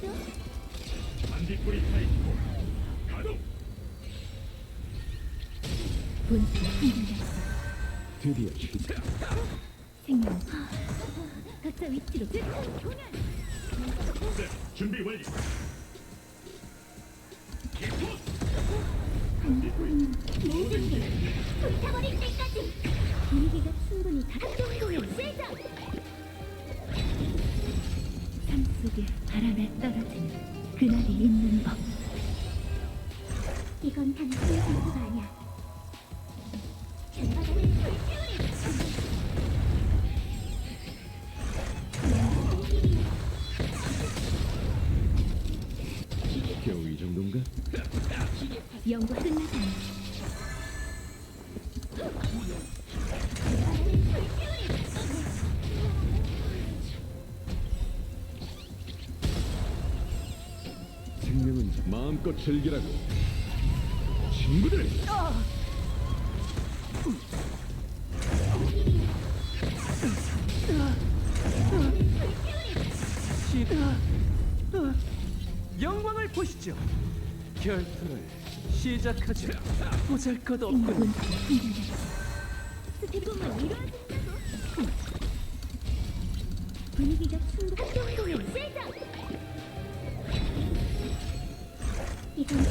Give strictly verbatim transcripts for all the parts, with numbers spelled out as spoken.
있어? 반딧불이 타있고 가동. 분수가 한결같어. 드디어 시작. 생명. 각자 위치로 교년. 네, 준비 완료. 모든 게 불타버릴 때까지 분위기가 충분히 작동공연 시작. 삶 속에 바람에 떨어지는 그날이 있는 법. 이건 단순히 공부가 아니야. 전바닥을 불태우리. 겨우 이 정도인가? 연구 끝나지 않아. 생명은 마음껏 즐기라고. 친구들! 영광을 보시죠. 결투를 시작하죠. 보잘것없군. 스피드만 이루어진다고. 분위기가 충분. 활동공연 시작. 이건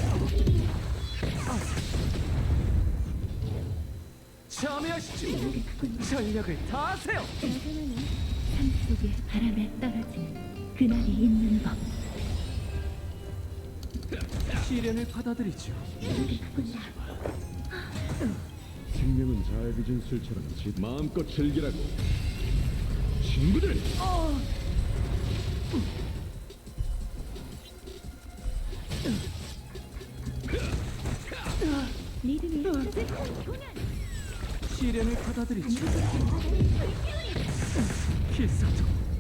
참여하시죠. 전력을 다하세요. 여전하네. 삶 속에 바람에 떨어지는 그날이 있는 법. 시련을 받아들이죠. 생명은 잘 빚은 술처럼 지 마음껏 즐기라고. 친구들! 리듬이 젖을 교년. 시련을 받아들이죠. 필사적